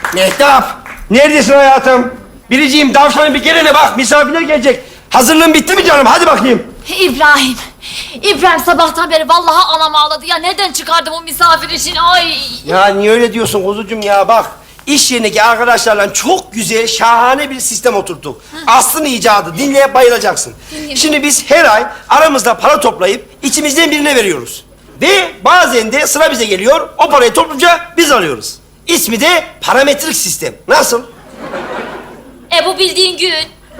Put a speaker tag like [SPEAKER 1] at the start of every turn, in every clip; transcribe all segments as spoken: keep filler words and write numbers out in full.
[SPEAKER 1] Mehtap, neredesin hayatım? Biriciğim, tavşanın bir gelene bak, misafirler gelecek. Hazırlığın bitti mi canım? Hadi bakayım.
[SPEAKER 2] İbrahim. İbrahim sabahtan beri vallahi anam ağladı ya. Neden çıkardım o misafir işini? Ay.
[SPEAKER 1] Ya niye öyle diyorsun kuzucuğum ya? Bak, iş yerindeki arkadaşlarla çok güzel, şahane bir sistem oturttuk. Aslı'nın icadı, dinleyip bayılacaksın.
[SPEAKER 2] Dinleyeyim.
[SPEAKER 1] Şimdi biz her ay aramızda para toplayıp içimizden birine veriyoruz. Ve bazen de sıra bize geliyor, o parayı topluca biz alıyoruz. İsmi de parametrik sistem. Nasıl?
[SPEAKER 2] E bu bildiğin gün.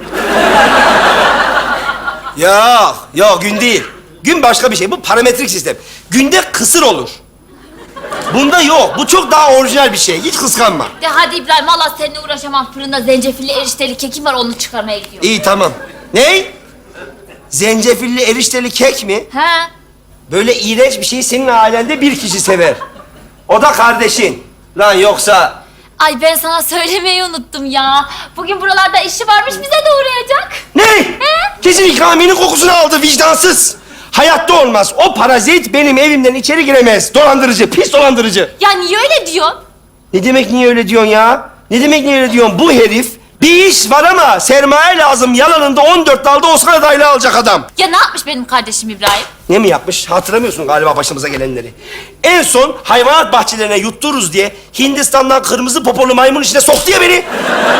[SPEAKER 1] Yok, yok gün değil. Gün başka bir şey. Bu parametrik sistem. Günde kısır olur. Bunda yok. Bu çok daha orijinal bir şey. Hiç kıskanma.
[SPEAKER 2] De hadi İbrahim, vallahi seninle uğraşamam. Fırında zencefilli erişteli kekim var, onu çıkarmaya gidiyorum.
[SPEAKER 1] İyi tamam. Ne? Zencefilli erişteli kek mi?
[SPEAKER 2] He?
[SPEAKER 1] Böyle iğrenç bir şeyi senin ailende bir kişi sever. O da kardeşin. Lan yoksa...
[SPEAKER 2] Ay ben sana söylemeyi unuttum ya. Bugün buralarda işi varmış, bize de uğrayacak.
[SPEAKER 1] Ne?
[SPEAKER 2] He?
[SPEAKER 1] Kesin ikraminin kokusunu aldı vicdansız. Hayatta olmaz. O parazit benim evimden içeri giremez. Dolandırıcı, pis dolandırıcı.
[SPEAKER 2] Ya niye öyle diyorsun?
[SPEAKER 1] Ne demek niye öyle diyorsun ya? Ne demek niye öyle diyorsun? Bu herif bir iş var ama sermaye lazım. Yalanında on dört dalda Oscar adaylığı alacak adam.
[SPEAKER 2] Ya ne yapmış benim kardeşim İbrahim?
[SPEAKER 1] Ne mi yapmış? Hatırlamıyorsun galiba başımıza gelenleri. En son hayvanat bahçelerine yuttururuz diye Hindistan'dan kırmızı popolu maymun içine soktu ya beni.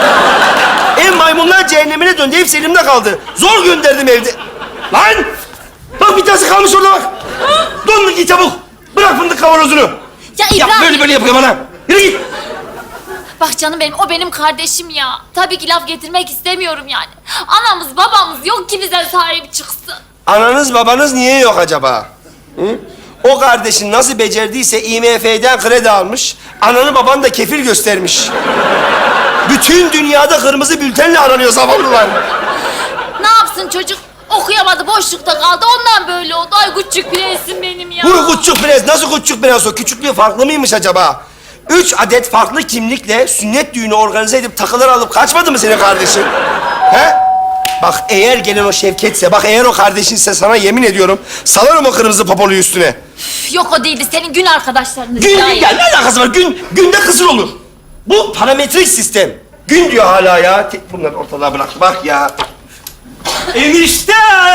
[SPEAKER 1] Ev maymunlar cehennemine döndü. Hepsi elimde kaldı. Zor gönderdim evde. Lan! Bak bir tanesi kalmış orada bak. Dondur git çabuk. Bırak fındık kavanozunu.
[SPEAKER 2] Ya İbrahim.
[SPEAKER 1] Yap böyle böyle yapıyor bana. Yürü git.
[SPEAKER 2] Bak canım benim, o benim kardeşim ya. Tabii ki laf getirmek istemiyorum yani. Anamız babamız yok ki bize sahip çıksın.
[SPEAKER 1] Ananız babanız niye yok acaba? Hı? O kardeşin nasıl becerdiyse I M F'den kredi almış, ananı babanı da kefil göstermiş. Bütün dünyada kırmızı bültenle aranıyor zavallılar.
[SPEAKER 2] Ne yapsın çocuk? Okuyamadı, boşlukta kaldı. Ondan böyle oldu. Ay küçük prensim benim ya.
[SPEAKER 1] Bu küçük prens, nasıl küçük prens o? Küçüklüğü farklı mıymış acaba? Üç adet farklı kimlikle sünnet düğünü organize edip takılar alıp kaçmadı mı senin kardeşin? He? Bak eğer gelen o Şevketse, bak eğer o kardeşinse sana yemin ediyorum salarım o kırmızı popoluyu üstüne.
[SPEAKER 2] Üf, yok o değildi. Senin gün arkadaşlarınız.
[SPEAKER 1] Gün
[SPEAKER 2] ya.
[SPEAKER 1] ya ne alakası var? Gün günde kısır olur. Bu parametrik sistem. Gün diyor hala ya. Te- Bunları ortalığa bıraktı bak ya. Enişte!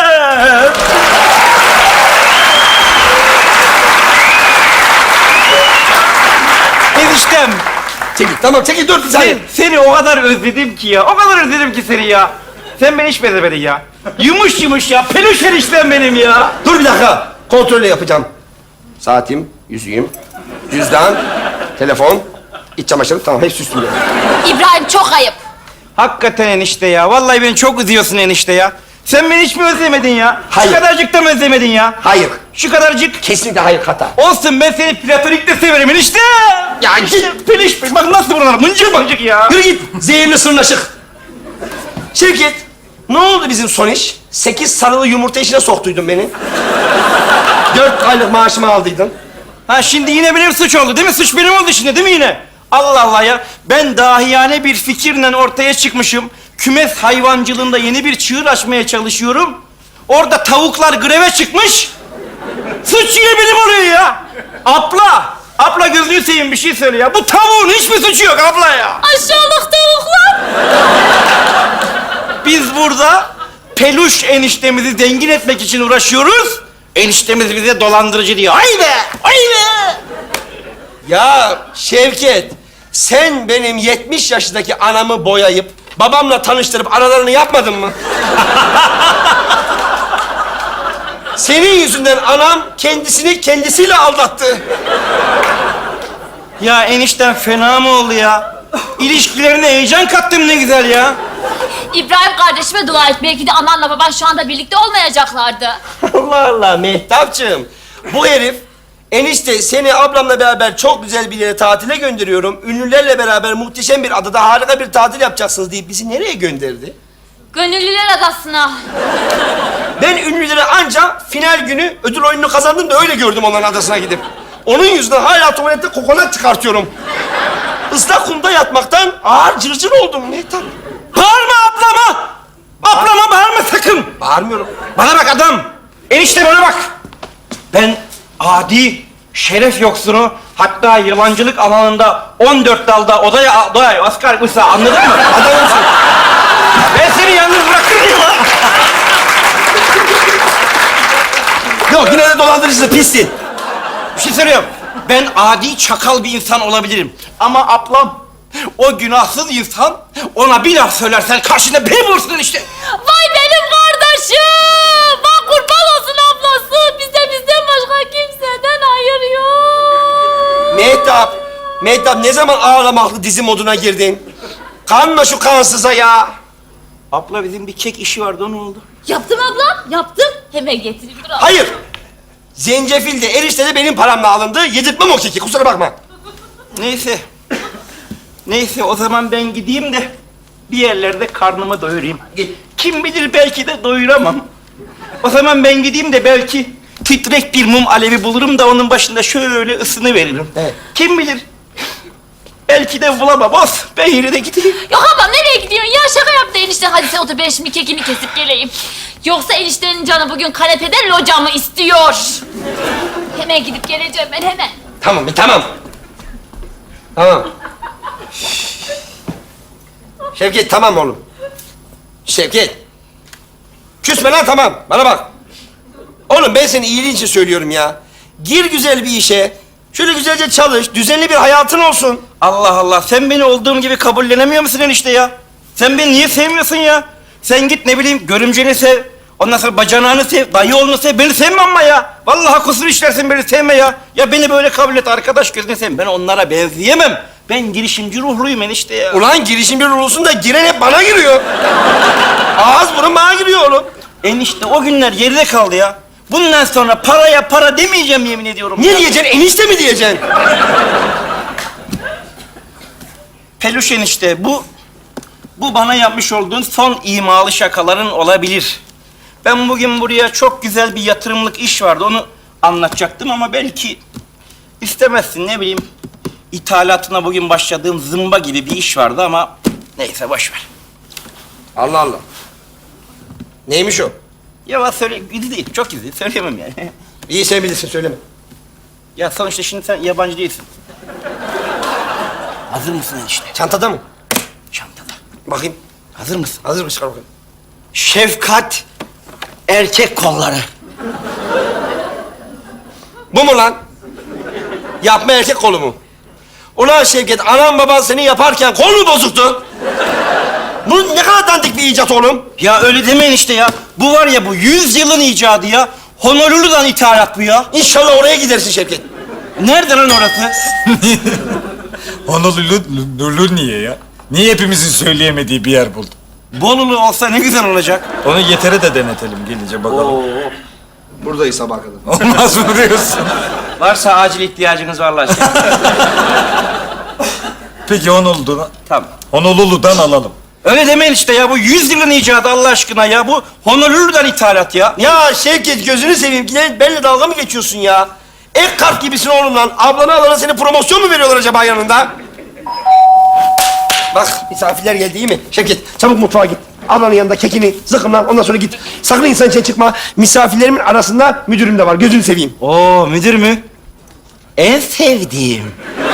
[SPEAKER 3] Eniştem,
[SPEAKER 1] Çekil tamam çekil dur bir saniye.
[SPEAKER 3] sen, seni o kadar özledim ki ya. O kadar özledim ki seni ya. Sen beni hiç benzemedin ya. Yumuş yumuş ya. Peluş eniştem benim ya.
[SPEAKER 1] Dur bir dakika. Kontrolle yapacağım. Saatim, yüzüğüm, cüzdan, telefon, iç çamaşırı tamam hepsi üstümde.
[SPEAKER 2] İbrahim çok ayıp.
[SPEAKER 3] Hakikaten enişte ya. Vallahi beni çok üzüyorsun enişte ya. Sen beni hiç mi özlemedin ya?
[SPEAKER 1] Hayır.
[SPEAKER 3] Şu kadarcık da mı özlemedin ya?
[SPEAKER 1] Hayır.
[SPEAKER 3] Şu kadarcık.
[SPEAKER 1] Kesinlikle hayır hata.
[SPEAKER 3] Olsun, ben seni platonik de severim enişte.
[SPEAKER 1] Ya
[SPEAKER 3] İşte peliş peliş. Bak nasıl buralar mıncır mıncır ya.
[SPEAKER 1] Yürü git. Zehirli sırnaşık. Şevket, ne oldu bizim son iş? Sekiz sarılı yumurta işine soktuydun beni. Dört aylık maaşımı aldıydın.
[SPEAKER 3] Ha şimdi yine benim suç oldu değil mi? Suç benim oldu şimdi değil mi yine? Allah Allah ya. Ben dahiyane bir fikirle ortaya çıkmışım. Kümes hayvancılığında yeni bir çığır açmaya çalışıyorum. Orada tavuklar greve çıkmış. Suç yine benim oluyor ya. Abla, abla gözünü seveyim bir şey söyle ya. Bu tavuğun hiçbir suçu yok abla ya.
[SPEAKER 2] Aşağılık tavuklar.
[SPEAKER 3] Biz burada peluş eniştemizi zengin etmek için uğraşıyoruz. Eniştemiz bize dolandırıcı diyor. Haydi, haydi.
[SPEAKER 1] Ya Şevket, sen benim yetmiş yaşındaki anamı boyayıp babamla tanıştırıp aralarını yapmadın mı? Senin yüzünden anam kendisini kendisiyle aldattı.
[SPEAKER 3] Ya enişten fena mı oldu ya? İlişkilerine heyecan kattım ne güzel ya.
[SPEAKER 2] İbrahim kardeşime dua et. Belki de ananla baban şu anda birlikte olmayacaklardı.
[SPEAKER 1] Allah Allah Mehtapçığım. Bu herif enişte seni ablamla beraber çok güzel bir yere tatile gönderiyorum. Ünlülerle beraber muhteşem bir adada harika bir tatil yapacaksınız deyip bizi nereye gönderdi?
[SPEAKER 2] Gönüllüler adasına.
[SPEAKER 1] Ben ünlüleri anca final günü ödül oyununu kazandım da öyle gördüm onların adasına gidip. Onun yüzünden hala tuvalette kokonat çıkartıyorum. Islak kumda yatmaktan ağır cırcır oldum Mehtap.
[SPEAKER 3] Bağırma ablama! Ablama bağırma sakın!
[SPEAKER 1] Bağırmıyorum.
[SPEAKER 3] Bana bak adam! Enişte bana bak! Ben adi, şeref yoksunu, Hatta yalancılık alanında on dört dalda odaya odaya asker Musa, anladın mı?
[SPEAKER 1] Adamımsın.
[SPEAKER 3] Ben seni yalnız bırakır mıyım lan?
[SPEAKER 1] Yok yine de dolandırıcısın, pissin.
[SPEAKER 3] Bir şey söylüyorum. Ben adi çakal bir insan olabilirim. Ama ablam, o günahsız insan, ona bir laf söylersen karşında beni bulursun işte.
[SPEAKER 2] Vay benim kardeşim! Bak kurban olsun ablası! Bize bizden başka kimseden hayır yok.
[SPEAKER 1] Mehtap, Mehtap ne zaman ağlamaklı dizi moduna girdin? Kanma şu kansıza ya.
[SPEAKER 3] Abla bizim bir kek işi vardı, o ne oldu?
[SPEAKER 2] Yaptım abla, yaptım. Hemen getireyim, dur abla.
[SPEAKER 1] Hayır. Zencefil de erişte de benim paramla alındı. Yedirtmem o keki, kusura bakma.
[SPEAKER 3] Neyse. Neyse o zaman ben gideyim de bir yerlerde karnımı doyurayım.
[SPEAKER 1] Git.
[SPEAKER 3] Kim bilir belki de doyuramam. O zaman ben gideyim de belki titrek bir mum alevi bulurum da onun başında şöyle ısını veririm.
[SPEAKER 1] Evet.
[SPEAKER 3] Kim bilir? Belki de bulamam. Olsun. Ben yine de gideyim.
[SPEAKER 2] Yok abla nereye gidiyorsun ya? Şaka yaptı enişte. Hadi sen otur, ben şimdi kekini kesip geleyim. Yoksa eniştenin canı bugün kanepede locamı istiyor. Hemen gidip geleceğim ben, hemen.
[SPEAKER 1] Tamam, tamam. Tamam. Şevket, tamam oğlum. Şevket. Küsme lan, tamam. Bana bak. Oğlum ben senin iyiliğin için söylüyorum ya. Gir güzel bir işe. Şöyle güzelce çalış. Düzenli bir hayatın olsun.
[SPEAKER 3] Allah Allah. Sen beni olduğum gibi kabullenemiyor musun enişte ya? Sen beni niye sevmiyorsun ya? Sen git ne bileyim görümceni sev. Ondan sonra bacanağını sev, dayı oğlunu sev. Beni sevme ama ya. Vallahi kusur işlersin, beni sevme ya. Ya beni böyle kabul et, arkadaş gözüne sevme. Ben onlara benzeyemem. Ben girişimci ruhluyum enişte ya.
[SPEAKER 1] Ulan girişimci olsun da giren hep bana giriyor. Ağız burun bana giriyor oğlum.
[SPEAKER 3] Enişte o günler geride kaldı ya. Bundan sonra paraya para demeyeceğim, yemin ediyorum.
[SPEAKER 1] Ne
[SPEAKER 3] ya.
[SPEAKER 1] diyeceksin? Enişte mi diyeceksin?
[SPEAKER 3] Peluş enişte, bu... Bu bana yapmış olduğun son imalı şakaların olabilir. Ben bugün buraya çok güzel bir yatırımlık iş vardı, onu anlatacaktım ama belki istemezsin, ne bileyim. İthalatına bugün başladığım zımba gibi bir iş vardı ama neyse boş ver.
[SPEAKER 1] Allah Allah. Neymiş o?
[SPEAKER 3] Ya söyle, gizli değil, çok gizli, söyleyemem yani.
[SPEAKER 1] İyi sen bilirsin, söyleme.
[SPEAKER 3] Ya sonuçta şimdi sen yabancı değilsin. Hazır mısın enişte?
[SPEAKER 1] Çantada mı?
[SPEAKER 3] Çantada.
[SPEAKER 1] Bakayım.
[SPEAKER 3] Hazır mısın?
[SPEAKER 1] Hazır mı? Çıkar bakayım.
[SPEAKER 3] Şefkat erkek kolları.
[SPEAKER 1] Bu mu lan? Yapma erkek kolu mu? Ulan Şevket, anan baban seni yaparken kol mu bozuktu? Bu ne kadar dandik bir icat oğlum.
[SPEAKER 3] Ya öyle demeyin işte ya. Bu var ya, bu yüz yılın icadı ya. Honolulu'dan ithalat bu ya.
[SPEAKER 1] İnşallah oraya gidersin Şevket.
[SPEAKER 3] Nerede lan orası?
[SPEAKER 4] Honolulu Lulu niye ya? Niye hepimizin söyleyemediği bir yer buldun?
[SPEAKER 3] Bolulu olsa ne güzel olacak.
[SPEAKER 4] Onu yetere de denetelim gelince bakalım.
[SPEAKER 1] Buradayız sabah kadar.
[SPEAKER 4] Olmaz mı diyorsun?
[SPEAKER 3] Varsa acil ihtiyacınız var lan.
[SPEAKER 4] Peki Honolulu'dan,
[SPEAKER 3] Tamam.
[SPEAKER 4] Honolulu'dan alalım.
[SPEAKER 3] Öyle demeyin işte ya. Bu yüz yılın icadı Allah aşkına ya. Bu Honolulu'dan ithalat ya.
[SPEAKER 1] Ya Şevket, gözünü seveyim. Yine benimle dalga mı geçiyorsun ya? Ek kart gibisin oğlum lan. Ablana alana seni promosyon mu veriyorlar acaba yanında? Bak misafirler geldi, iyi mi? Şevket, çabuk mutfağa git. Ablanın yanında kekini zıkkımlan, ondan sonra git. Sakın insan içine çıkma. Misafirlerimin arasında müdürüm de var. Gözünü seveyim.
[SPEAKER 3] Oo, müdür mü? En sevdiğim.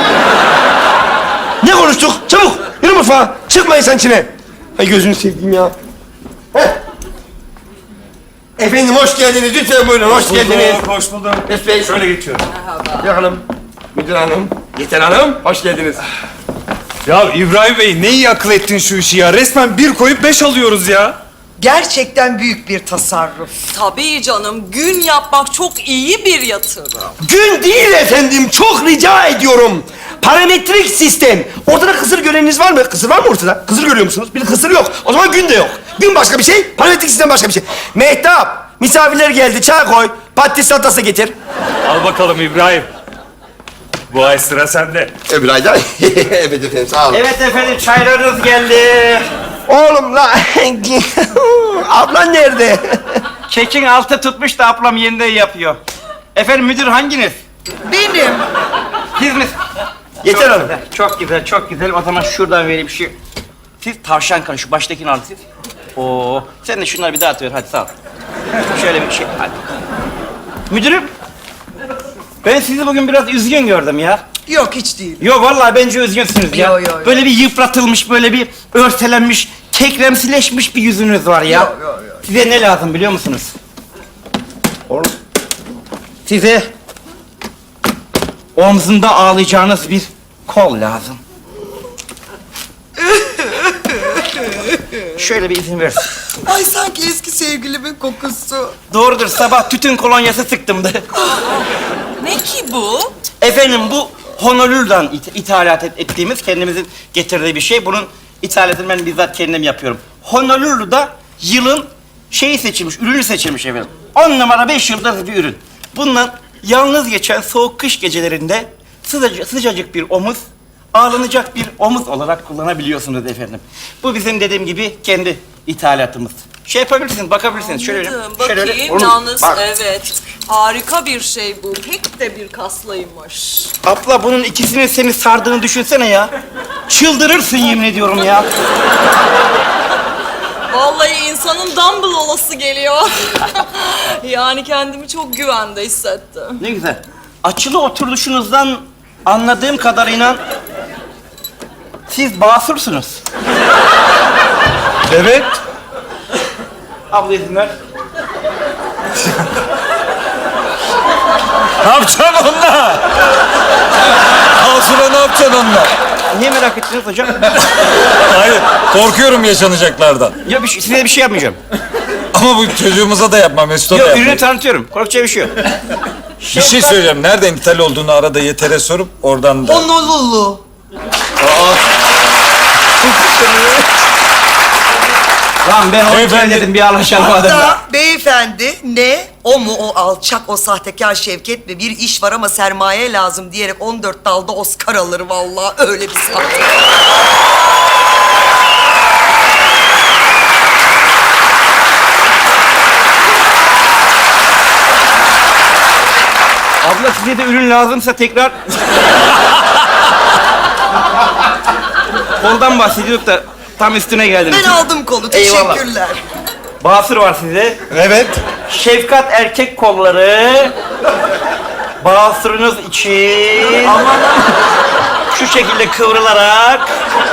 [SPEAKER 1] Ne konuştuk? Çabuk yürü mutfağa. Çıkma insan içine. Ay gözünü seveyim ya. Heh. Efendim hoş geldiniz. Lütfen buyurun. Hoş geldiniz.
[SPEAKER 4] Hoş bulduk.
[SPEAKER 1] Mesut Bey.
[SPEAKER 4] Şöyle geçiyorum.
[SPEAKER 1] Müdür hanım. Müdür hanım. Yeter hanım. Hoş geldiniz.
[SPEAKER 4] Ya İbrahim Bey ne iyi akıl ettin şu işi ya. Resmen bir koyup beş alıyoruz ya.
[SPEAKER 5] Gerçekten büyük bir tasarruf.
[SPEAKER 6] Tabii canım, gün yapmak çok iyi bir yatırım.
[SPEAKER 1] Gün değil efendim. Çok rica ediyorum. Parametrik sistem. Ortada kısır göreniniz var mı? Kısır var mı ortada? Kısır görüyor musunuz? Bir kısır yok. O zaman gün de yok. Gün başka bir şey, parametrik sistem başka bir şey. Mehtap, misafirler geldi. Çay koy. Patates salatası getir.
[SPEAKER 4] Al bakalım İbrahim. Bu ay sıra sende.
[SPEAKER 1] Öbür ayda. Evet efendim, sağ olun.
[SPEAKER 3] Evet efendim, çaylarınız geldi.
[SPEAKER 1] Oğlum la. Ablan nerede?
[SPEAKER 3] Kekin altı tutmuş da ablam yeniden yapıyor. Efendim müdür hanginiz?
[SPEAKER 5] Benim.
[SPEAKER 3] Siz mi?
[SPEAKER 1] Yeter
[SPEAKER 3] Çok
[SPEAKER 1] hanım.
[SPEAKER 3] güzel, çok güzel, çok güzel. O zaman şuradan vereyim bir şey. Siz tavşan kanı, şu baştakini al siz. Oo, sen de şunları bir dağıtıver, hadi sağ ol. Şöyle bir şey, hadi. Müdürüm, ben sizi bugün biraz üzgün gördüm ya.
[SPEAKER 5] Yok hiç değil.
[SPEAKER 3] Yo vallahi bence üzgünsünüz ya.
[SPEAKER 5] Yo, yo, yo.
[SPEAKER 3] Böyle bir yıpratılmış, böyle bir örselenmiş, kekremsileşmiş bir yüzünüz var ya.
[SPEAKER 5] Yo, yo, yo.
[SPEAKER 3] Size ne lazım biliyor musunuz? Oğlum. Size omzunda ağlayacağınız bir kol lazım. Şöyle bir izin ver.
[SPEAKER 5] Ay sanki eski sevgilimin kokusu.
[SPEAKER 3] Doğrudur, sabah tütün kolonyası sıktımdı.
[SPEAKER 6] Ne ki bu?
[SPEAKER 3] Efendim bu Honolulu'dan it- ithalat et- ettiğimiz, kendimizin getirdiği bir şey. Bunun ithalatını ben bizzat kendim yapıyorum. Honolulu'da yılın şeyi seçilmiş, ürünü seçilmiş efendim. On numara beş yıldız bir ürün. Bundan yalnız geçen soğuk kış gecelerinde sıcacık, sıcacık bir omuz, ağlanacak bir omuz olarak kullanabiliyorsunuz efendim. Bu bizim dediğim gibi kendi ithalatımız. Şey yapabilirsiniz, bakabilirsiniz. Şöyle,
[SPEAKER 6] Anladım.
[SPEAKER 3] şöyle.
[SPEAKER 6] Bakayım.
[SPEAKER 3] Oğlum,
[SPEAKER 6] Yalnız
[SPEAKER 3] bak.
[SPEAKER 6] evet. Harika bir şey bu. Pek de bir kaslıymış.
[SPEAKER 3] Abla bunun ikisinin seni sardığını düşünsene ya. Çıldırırsın yemin ediyorum ya.
[SPEAKER 6] Vallahi insanın dumbbell olası geliyor. Yani kendimi çok güvende hissettim.
[SPEAKER 3] Ne güzel. Açılı oturuşunuzdan anladığım kadarıyla siz basursunuz.
[SPEAKER 4] Evet.
[SPEAKER 3] Abla izin ver.
[SPEAKER 4] Ne yapacaksın onunla? Asura ne yapacaksın onunla?
[SPEAKER 3] Niye merak ettiniz hocam?
[SPEAKER 4] Hayır, korkuyorum yaşanacaklardan.
[SPEAKER 3] Ya bir şey, size bir şey yapmayacağım.
[SPEAKER 4] Ama bu çocuğumuza da yapma, Mesut'a da
[SPEAKER 3] Yok
[SPEAKER 4] yapma.
[SPEAKER 3] ürünü tanıtıyorum. Korkacağı bir şey yok.
[SPEAKER 4] Bir şey söyleyeceğim. Nereden ithal olduğunu arada yetere sorup oradan da...
[SPEAKER 5] Honolulu.
[SPEAKER 3] Lan ben onu
[SPEAKER 4] Beyefendi-
[SPEAKER 3] dedim bir anlaşalım adamla.
[SPEAKER 5] Hatta beyefendi ne? O mu o alçak, o sahtekar Şevket mi? Bir iş var ama sermaye lazım diyerek on dört dalda Oscar alır vallahi öyle bir sahte.
[SPEAKER 3] Abla size de ürün lazımsa tekrar... Koldan bahsediyorduk da tam üstüne geldiniz.
[SPEAKER 5] Ben aldım kolu.
[SPEAKER 3] Eyvallah.
[SPEAKER 5] Teşekkürler.
[SPEAKER 3] Basır var size.
[SPEAKER 4] Evet.
[SPEAKER 3] Şefkat erkek kolları. Basırınız için. Şu şekilde kıvrılarak.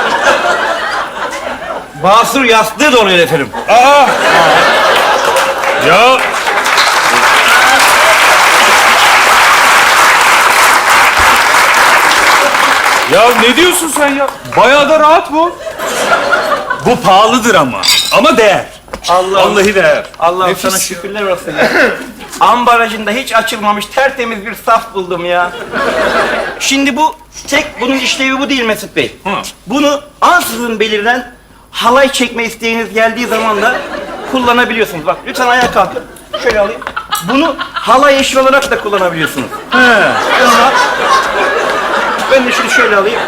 [SPEAKER 3] Basır yastığı da oluyor efendim.
[SPEAKER 4] Aa! Ya... Ya ne diyorsun sen ya? Bayağı da rahat bu. Bu pahalıdır ama. Ama değer.
[SPEAKER 3] Allah
[SPEAKER 4] Vallahi değer.
[SPEAKER 3] Allah'ım
[SPEAKER 4] Nefis
[SPEAKER 3] sana
[SPEAKER 4] ya.
[SPEAKER 3] şükürler olsun ya. Ambalajında hiç açılmamış tertemiz bir saf buldum ya. Şimdi bu tek bunun işlevi bu değil Mesut Bey.
[SPEAKER 4] Hı.
[SPEAKER 3] Bunu ansızın belirlen halay çekme isteğiniz geldiği zaman da kullanabiliyorsunuz. Bak lütfen ayağa kalkın. Şöyle alayım. Bunu halay eşi olarak da kullanabiliyorsunuz.
[SPEAKER 4] He.
[SPEAKER 3] Sonra ben de şunu şöyle alayım.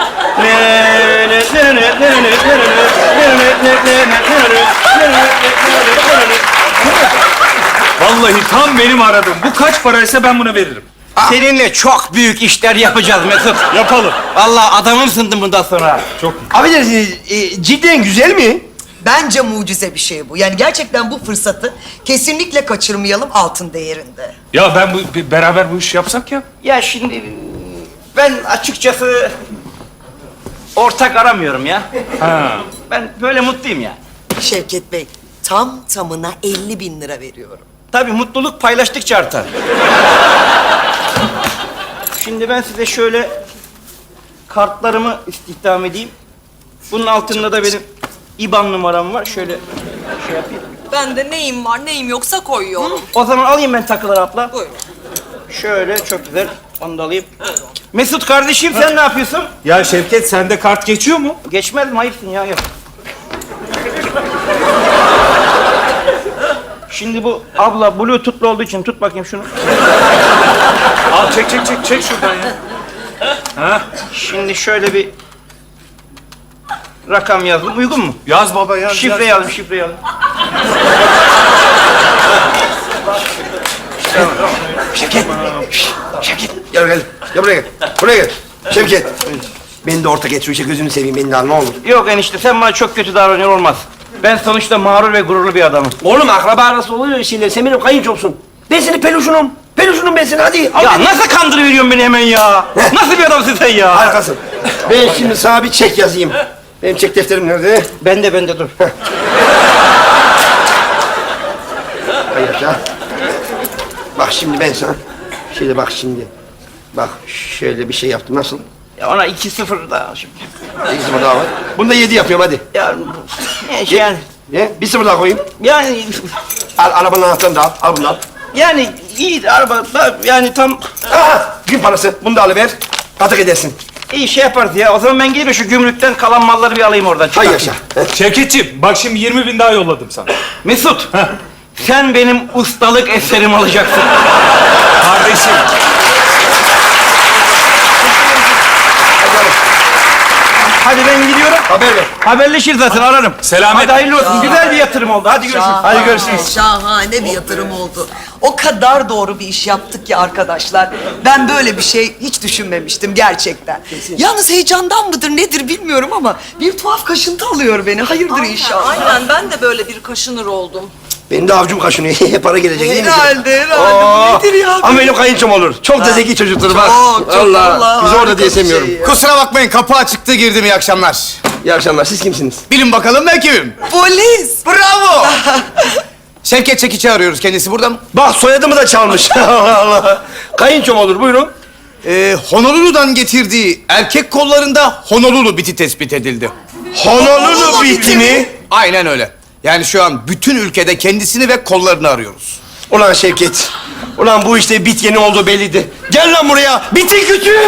[SPEAKER 4] Vallahi tam benim aradığım. Bu kaç paraysa ben buna veririm.
[SPEAKER 3] Seninle çok büyük işler yapacağız Mesut.
[SPEAKER 4] Yapalım.
[SPEAKER 3] Vallahi adamımsın bundan sonra.
[SPEAKER 4] Çok.
[SPEAKER 1] Affedersiniz, e, cidden güzel mi?
[SPEAKER 5] Bence mucize bir şey bu. Yani gerçekten bu fırsatı kesinlikle kaçırmayalım, altın değerinde.
[SPEAKER 4] Ya ben bu bir- beraber bu işi yapsak ya.
[SPEAKER 3] Ya şimdi ben açıkçası ortak aramıyorum ya.
[SPEAKER 4] Ha.
[SPEAKER 3] Ben böyle mutluyum ya.
[SPEAKER 5] Şevket Bey, tam tamına elli bin lira veriyorum.
[SPEAKER 3] Tabii mutluluk paylaştıkça artar. Şimdi ben size şöyle kartlarımı istihdam edeyim. Bunun altında da benim İban numaram var. Şöyle şey yapayım.
[SPEAKER 6] Ben de neyim var neyim yoksa koyuyorum.
[SPEAKER 3] O zaman alayım ben takıları abla.
[SPEAKER 6] Buyurun.
[SPEAKER 3] Şöyle çok güzel. Onu da alayım. Mesut kardeşim sen ne yapıyorsun?
[SPEAKER 4] Ya Şevket sende kart geçiyor mu?
[SPEAKER 3] Geçmez mi? Ayıpsın ya. Yok. Şimdi bu abla bluetooth'lu olduğu için tut bakayım şunu.
[SPEAKER 4] Al çek çek çek çek şuradan ya. Ha?
[SPEAKER 3] Şimdi şöyle bir rakam yazdım. Uygun mu?
[SPEAKER 4] Yaz baba yaz.
[SPEAKER 3] Şifre
[SPEAKER 4] yaz.
[SPEAKER 3] yazdım, şifre yazdım.
[SPEAKER 1] Şevket. Şşş, Şevket. Gel gel. Gel buraya gel. Buraya gel. Şevket. Beni de ortak et şu işe, gözünü seveyim beni de al ne olur.
[SPEAKER 3] Yok enişte sen bana çok kötü davranıyor olmaz. Ben sonuçta mağrur ve gururlu bir adamım.
[SPEAKER 1] Oğlum akraba arası oluyor şeyler. Sen benim kayınçomsun. Ben senin peluşunum. Ver şunu ben sana hadi. Al
[SPEAKER 3] Ya
[SPEAKER 1] beni.
[SPEAKER 3] nasıl kandırıveriyorsun beni hemen ya? Nasıl bir adamsın sen ya?
[SPEAKER 1] Harikasın. Ben şimdi sana bir çek yazayım. Benim çek defterim nerede?
[SPEAKER 3] Bende bende dur.
[SPEAKER 1] Hay yaşa. Bak şimdi ben sana. Şöyle bak şimdi. Bak şöyle bir şey yaptım. Nasıl?
[SPEAKER 3] Ya ona iki sıfır daha şimdi.
[SPEAKER 1] İki sıfır daha var. Bunu da yedi yapıyorum hadi.
[SPEAKER 3] Ya ne şey yani
[SPEAKER 1] Ne? Bir sıfır daha koyayım.
[SPEAKER 3] yani
[SPEAKER 1] Al arabanın anahtarını da al. Al bunu al.
[SPEAKER 3] yani iyi araba yani tam
[SPEAKER 1] Aha, gün parası. Bunu da alıver. Katık edersin.
[SPEAKER 3] iyi şey yaparız ya. O zaman ben gideyim şu gümrükten kalan malları bir alayım oradan.
[SPEAKER 1] Hay
[SPEAKER 3] çıkartayım.
[SPEAKER 1] yaşa.
[SPEAKER 4] Şevketciğim bak şimdi yirmi bin daha yolladım sana.
[SPEAKER 3] Mesut, sen benim ustalık eserim olacaksın.
[SPEAKER 4] Kardeşim.
[SPEAKER 3] Hadi ben gidiyorum.
[SPEAKER 1] Haber ver.
[SPEAKER 3] Haberleşiriz zaten ararım.
[SPEAKER 4] Selamet.
[SPEAKER 3] Hadi hayırlı olsun. Güzel bir yatırım oldu. Hadi görüşürüz. Hadi görüşürüz.
[SPEAKER 5] Şahane bir yatırım oldu. O kadar doğru bir iş yaptık ki arkadaşlar. Ben böyle bir şey hiç düşünmemiştim gerçekten. Yalnız heyecandan mıdır nedir bilmiyorum ama bir tuhaf kaşıntı alıyor beni. Hayırdır inşallah.
[SPEAKER 6] Aynen ben de böyle bir kaşınır oldum.
[SPEAKER 1] Benim de avcum kaşınıyor. Para gelecek değil mi?
[SPEAKER 5] Herhalde herhalde.
[SPEAKER 1] Oo,
[SPEAKER 5] Bu nedir ya?
[SPEAKER 1] Ama benim kayınçom olur. Çok da zeki çocuktur bak.
[SPEAKER 5] Çok, çok,
[SPEAKER 1] Allah.
[SPEAKER 5] vallahi
[SPEAKER 1] Bizi orada
[SPEAKER 5] harika
[SPEAKER 1] diye
[SPEAKER 5] bir şey
[SPEAKER 1] sevmiyorum.
[SPEAKER 5] ya.
[SPEAKER 7] Kusura bakmayın kapı açıktı girdim iyi akşamlar.
[SPEAKER 1] İyi akşamlar. Siz kimsiniz?
[SPEAKER 7] Bilin bakalım ben kimim?
[SPEAKER 5] Polis.
[SPEAKER 7] Bravo! Şevket Çekiç'i arıyoruz kendisi burada mı?
[SPEAKER 1] Bak soyadımı da çalmış. Allah Allah. Kayınçom olur. Buyurun.
[SPEAKER 7] Ee, Honolulu'dan getirdiği erkek kollarında Honolulu biti tespit edildi.
[SPEAKER 1] Honolulu biti mi?
[SPEAKER 7] Aynen öyle. Yani şu an bütün ülkede kendisini ve kollarını arıyoruz.
[SPEAKER 1] Ulan Şevket. Ulan bu işte bit yeni olduğu belliydi. Gel lan buraya. Biti küçük.